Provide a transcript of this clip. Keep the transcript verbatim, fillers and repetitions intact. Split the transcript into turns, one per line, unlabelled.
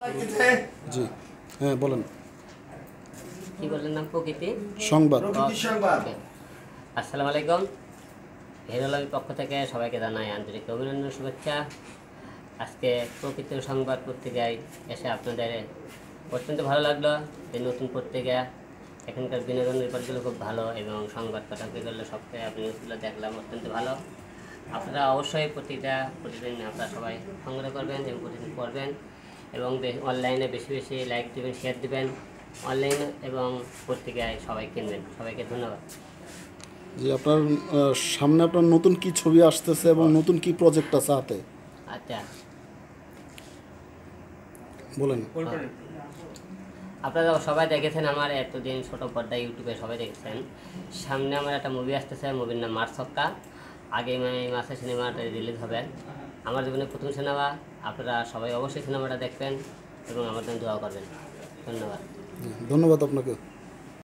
জি হ্যাঁ বলেন।
কি বললেন নাম? প্রকৃতি
সংবাদ।
আসসালামু আলাইকুম। হেরোলামির পক্ষ থেকে সবাইকে জানাই আন্তরিক অভিনন্দন, শুভেচ্ছা। আজকে প্রকৃতির সংবাদ পত্রিকায় এসে আপনাদের অত্যন্ত ভালো লাগলো। যে নতুন পত্রিকা, এখানকার বিনোদন রিপোর্টগুলো খুব ভালো এবং সংবাদ পাঠকগুলো সবটাই আপনি নিউজগুলো দেখলাম, অত্যন্ত ভালো। আপনারা অবশ্যই প্রতিটা প্রতিদিন আপনারা সবাই সংগ্রহ করবেন এবং প্রতিদিন পড়বেন এবং অনলাইনে বেশি বেশি লাইক দেবেন, শেয়ার দেবেন অনলাইন এবং পত্রিকায় সবাই কিনবেন। সবাইকে ধন্যবাদ।
জি, আপনার সামনে আপনার নতুন কি ছবি আসতেছে এবং নতুন কি প্রজেক্ট আছে হাতে?
আচ্ছা
বলেন।
আপনারা সবাই দেখেছেন আমার এতদিন ছোট পর্দায় ইউটিউবে সবাই দেখেছেন। সামনে আমার একটা মুভি আসতেছে, মুভির নাম মার্সক্কা। আগামী মাসে সিনেমাটা রিলিজ হবে। আমার জীবনে প্রথম সিনেমা। আপনারা সবাই অবশ্যই সিনেমাটা দেখবেন এবং আমার জন্য দোয়া করবেন। ধন্যবাদ।
ধন্যবাদ আপনাকে।